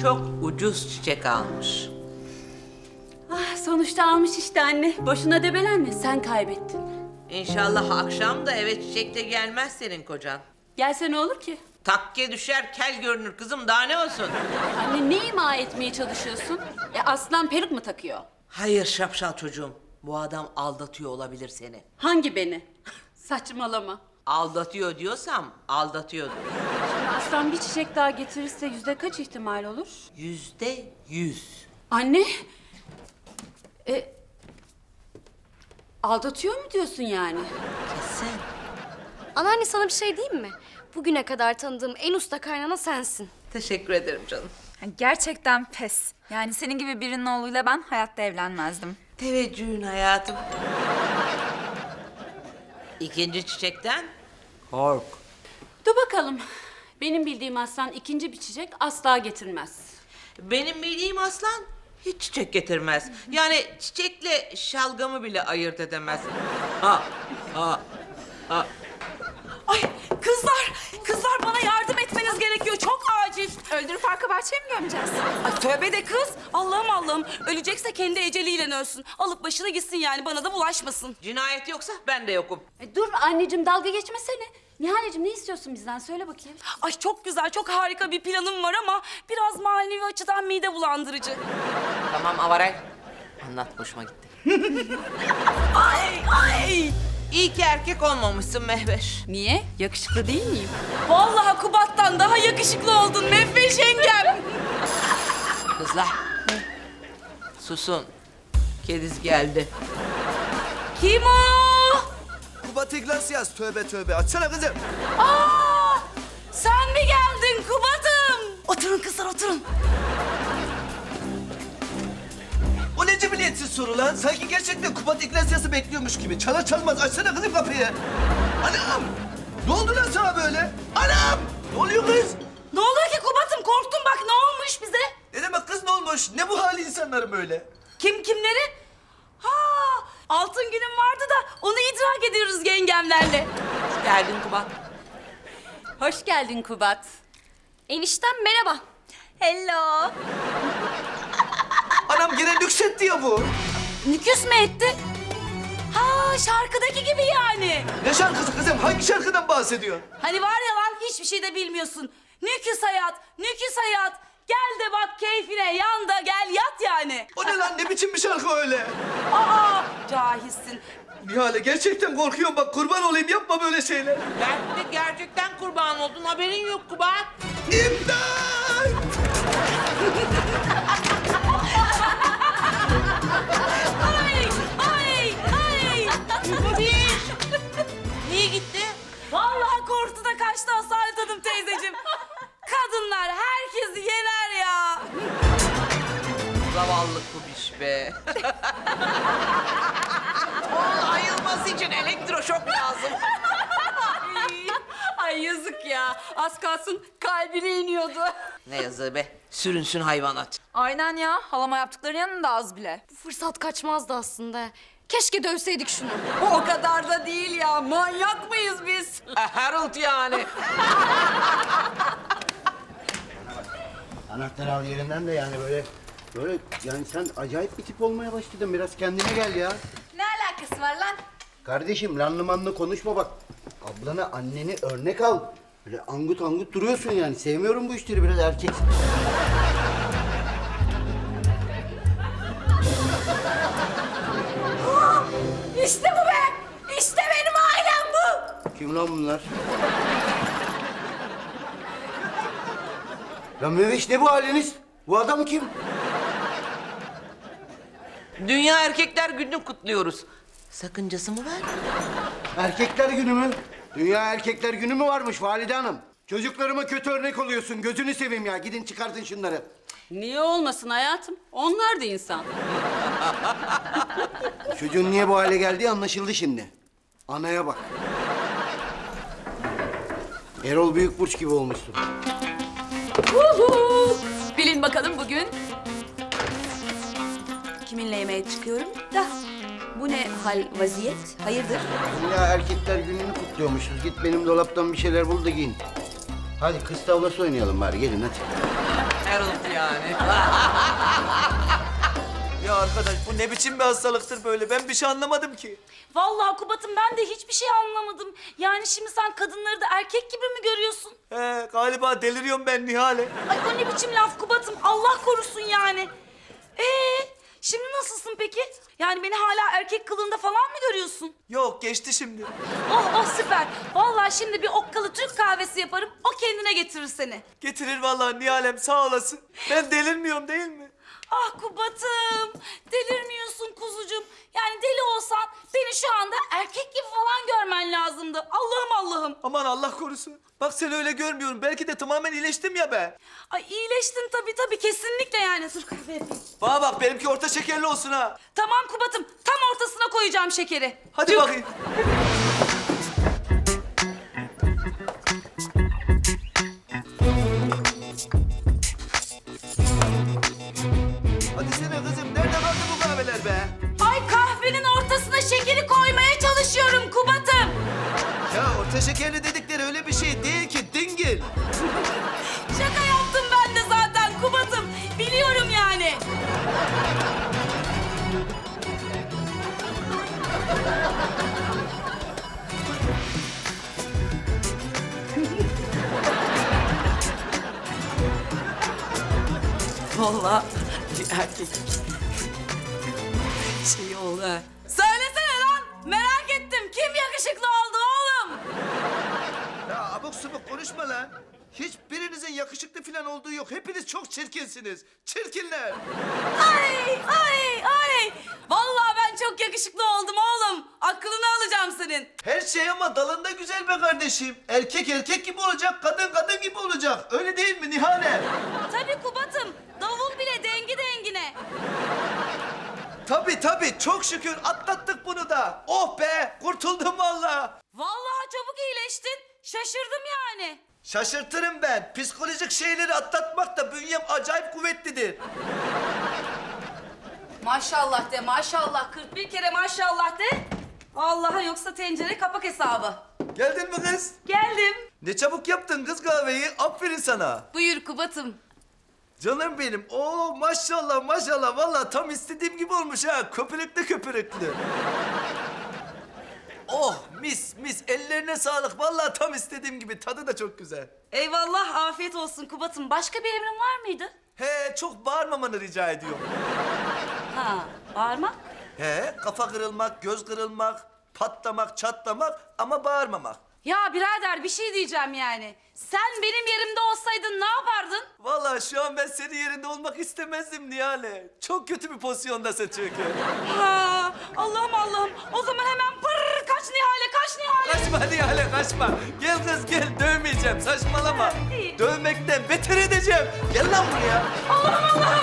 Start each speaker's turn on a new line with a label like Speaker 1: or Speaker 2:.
Speaker 1: çok ucuz çiçek almış.
Speaker 2: Ah, sonuçta almış işte anne. Boşuna debelenme, sen kaybettin.
Speaker 1: İnşallah akşam da eve çiçekle gelmez senin kocan.
Speaker 2: Gelse ne olur ki?
Speaker 1: Takke düşer, kel görünür kızım, daha ne olsun?
Speaker 2: Anne ne ima etmeye çalışıyorsun? Aslan peruk mu takıyor?
Speaker 1: Hayır şapşal çocuğum, bu adam aldatıyor olabilir seni.
Speaker 2: Hangi beni? Saçmalama.
Speaker 1: Aldatıyor diyorsam aldatıyordur.
Speaker 2: Aslan bir çiçek daha getirirse kaç ihtimal olur?
Speaker 1: %100.
Speaker 2: Anne. Aldatıyor mu diyorsun yani?
Speaker 1: Kesin.
Speaker 3: Anneanne sana bir şey diyeyim mi? Bugüne kadar tanıdığım en usta kaynana sensin.
Speaker 1: Teşekkür ederim canım.
Speaker 4: Gerçekten pes. Yani senin gibi birinin oğluyla ben hayatta evlenmezdim.
Speaker 1: Teveccühün hayatım. İkinci çiçekten kork.
Speaker 2: Dur bakalım. Benim bildiğim aslan ikinci bir çiçek asla getirmez.
Speaker 1: Benim bildiğim aslan hiç çiçek getirmez. Yani çiçekle şalgamı bile ayırt edemez. Ha, ha, ha.
Speaker 5: Ay kızlar bana yardım etmeniz gerekiyor. Çok acil.
Speaker 4: Öldürüp arka bahçeye mi gömeceğiz?
Speaker 5: Ay tövbe de kız. Allah'ım. Ölecekse kendi eceliyle ölsün. Alıp başına gitsin yani bana da bulaşmasın.
Speaker 1: Cinayet yoksa ben de yokum.
Speaker 2: Dur anneciğim dalga geçmesene. Nihal'cığım ne istiyorsun bizden? Söyle bakayım.
Speaker 5: Ay çok güzel, çok harika bir planım var ama biraz manevi açıdan mide bulandırıcı.
Speaker 1: Tamam Avaray. Anlat, hoşuma gitti.
Speaker 5: Ay!
Speaker 1: İyi ki erkek olmamışsın Mehveş.
Speaker 2: Niye? Yakışıklı değil miyim?
Speaker 5: Vallahi Kubat'tan daha yakışıklı oldun Mehveş yengem.
Speaker 1: Kızlar. Susun. Kediz geldi.
Speaker 5: Kim o?
Speaker 6: Kubat Iglesias, tövbe tövbe. Açsana kızım.
Speaker 5: Aa, sen mi geldin Kubat'ım? Oturun kızlar oturun.
Speaker 6: O ne cibiliyetsiz soru lan? Sanki gerçekten Kubat Iglesias'ı bekliyormuş gibi. Çalar çalmaz açsana kızım kapıyı. Anam! Ne oldu lan sana böyle? Anam! Ne oluyor kız?
Speaker 5: Ne oluyor ki Kubat'ım? Korktum bak ne olmuş bize?
Speaker 6: Ne demek kız ne olmuş? Ne bu hali insanların böyle?
Speaker 5: Kimleri? Ha, altın günüm vardı da onu idrak ediyoruz yengemlerle.
Speaker 1: Hoş geldin Kubat.
Speaker 2: Hoş geldin Kubat.
Speaker 3: Eniştem merhaba.
Speaker 4: Hello.
Speaker 6: Anam gene nüksetti ya bu.
Speaker 5: Nüküs mü etti? Ha, şarkıdaki gibi yani.
Speaker 6: Ne şarkısı kızım? Hangi şarkıdan bahsediyor?
Speaker 5: Hani var ya lan hiçbir şey de bilmiyorsun. Nüküs hayat, nüküs hayat. Gel de bak keyfine, yan da gel yat yani.
Speaker 6: O ne lan? Ne biçim bir şarkı öyle?
Speaker 5: Aa, cahilsin.
Speaker 6: Nihale gerçekten korkuyorum bak kurban olayım yapma böyle şeyler.
Speaker 1: Belki de gerçekten kurban oldun, haberin yok Kubat.
Speaker 6: İmdat!
Speaker 5: Ay!
Speaker 1: Niye gitti?
Speaker 5: Vallahi korktu da kaçtı Asalet Hanım teyzeciğim. Kadınlar herkesi yener ya.
Speaker 1: Zavallı kubiş be. Onun ayılması için elektroşok lazım.
Speaker 2: Ay yazık ya. Az kalsın kalbine iniyordu.
Speaker 1: Ne yazığı be. Sürünsün hayvanat.
Speaker 4: Aynen ya. Halama yaptıkları yanında az bile.
Speaker 3: Bu fırsat kaçmazdı aslında. Keşke dövseydik şunu.
Speaker 2: O kadar da değil ya. Manyak mıyız biz?
Speaker 1: Harold yani.
Speaker 7: Anahtar al yerinden de yani böyle yani sen acayip bir tip olmaya başladın. Biraz kendine gel ya.
Speaker 4: Ne alakası var lan?
Speaker 7: Kardeşim lanlı manlı konuşma bak. Ablana anneni örnek al. Böyle angut angut duruyorsun yani. Sevmiyorum bu işleri biraz erkek.
Speaker 5: İşte bu be. İşte benim ailem bu.
Speaker 7: Kim lan bunlar? Lan Meveş ne bu haliniz? Bu adam kim?
Speaker 1: Dünya Erkekler Günü'nü kutluyoruz. Sakıncası mı var?
Speaker 7: Erkekler günü mü? Dünya Erkekler Günü mü varmış Valide Hanım? Çocuklarıma kötü örnek oluyorsun. Gözünü seveyim ya. Gidin çıkartın şunları.
Speaker 2: Niye olmasın hayatım? Onlar da insan.
Speaker 7: Çocuğun niye bu hale geldiği anlaşıldı şimdi. Anaya bak. Erol Büyükburç gibi olmuşsun.
Speaker 2: Bilin bakalım bugün kiminle yemeğe çıkıyorum da bu ne hal vaziyet? Hayırdır?
Speaker 7: Dünya Erkekler Günü'nü kutluyormuşuz. Git benim dolaptan bir şeyler bul da giyin. Hadi kız tavlası oynayalım bari. Gelin hadi.
Speaker 1: Harold yani.
Speaker 6: Ya arkadaş bu ne biçim bir hastalıktır böyle? Ben bir şey anlamadım ki.
Speaker 5: Vallahi Kubat'ım ben de hiçbir şey anlamadım. Yani şimdi sen kadınları da erkek gibi mi görüyorsun?
Speaker 6: He galiba deliriyorum ben Nihale.
Speaker 5: Ay o ne biçim laf Kubat'ım? Allah korusun yani. Şimdi nasılsın peki? Yani beni hala erkek kılığında falan mı görüyorsun?
Speaker 6: Yok geçti şimdi.
Speaker 5: Oh süper. Vallahi şimdi bir okkalı Türk kahvesi yaparım. O kendine getirir seni.
Speaker 6: Getirir vallahi Nihalem sağ olasın. Ben delirmiyorum değil mi?
Speaker 5: Ah Kubat'ım. Delirmiyorsun kuzucuğum. Yani deli olsan beni şu anda erkek gibi falan görmen lazımdı. Allah'ım Allah'ım.
Speaker 6: Aman Allah korusun. Bak seni öyle görmüyorum. Belki de tamamen iyileştim ya ben.
Speaker 5: Ay iyileştin tabii kesinlikle yani. Dur kahve yapayım.
Speaker 6: Bana bak benimki orta şekerli olsun ha.
Speaker 5: Tamam Kubat'ım. Tam ortasına koyacağım şekeri.
Speaker 6: Hadi bakayım. Hadi sene kızım. Nerede kaldı bu kahveler be?
Speaker 5: Ay kahvenin ortasına şekeri koymaya çalışıyorum Kubat'ım.
Speaker 6: Ya orta şekerli dedikleri öyle bir şey değil ki dingil.
Speaker 5: Şaka yaptım ben de zaten Kubat'ım. Biliyorum yani.
Speaker 1: Vallahi bir erkek şey oldu ha.
Speaker 5: Söylesene lan. Merak ettim. Kim yakışıklı oldu oğlum?
Speaker 6: Ya abuk subuk konuşma lan. Hiçbirinizin yakışıklı falan olduğu yok. Hepiniz çok çirkinsiniz. Çirkinler.
Speaker 5: Ay. Vallahi ben çok yakışıklı oldum oğlum. Aklını alacağım senin.
Speaker 6: Her şey ama dalında güzel be kardeşim. Erkek erkek gibi olacak, kadın kadın gibi olacak. Öyle değil mi Nihale?
Speaker 5: Tabii Kubat'ım. Davul bile dengi dengine.
Speaker 6: Tabii çok şükür atlattık bunu da. Oh be kurtuldum vallahi.
Speaker 5: Vallahi çabuk iyileştin. Şaşırdım yani.
Speaker 6: Şaşırtırım ben. Psikolojik şeyleri atlatmak da bünyem acayip kuvvetlidir.
Speaker 5: Maşallah de maşallah. 41 kere maşallah de. Allah'a yoksa tencere kapak hesabı.
Speaker 6: Geldin mi kız?
Speaker 5: Geldim.
Speaker 6: Ne çabuk yaptın kız kahveyi. Aferin sana.
Speaker 5: Buyur Kubat'ım.
Speaker 6: Canım benim. Oo maşallah. Vallahi tam istediğim gibi olmuş ha. Köpürüklü. Oh mis. Ellerine sağlık. Vallahi tam istediğim gibi. Tadı da çok güzel.
Speaker 5: Eyvallah afiyet olsun Kubat'ım. Başka bir emrin var mıydı?
Speaker 6: He çok bağırmamanı rica ediyorum.
Speaker 5: Ha bağırma.
Speaker 6: He kafa kırılmak, göz kırılmak, patlamak, çatlamak ama bağırmamak.
Speaker 5: Ya birader bir şey diyeceğim yani. Sen benim yerimde olsaydın ne yapardın?
Speaker 6: Vallahi şu an ben senin yerinde olmak istemezdim Nihale. Çok kötü bir pozisyondasın çünkü.
Speaker 5: Ha Allah'ım. O zaman hemen pırr kaç Nihale.
Speaker 6: Kaçma Nihale kaçma. Gel kız gel dövmeyeceğim saçmalama.
Speaker 5: İyi.
Speaker 6: Dövmekten beter edeceğim. Gel lan buraya.
Speaker 5: Allah'ım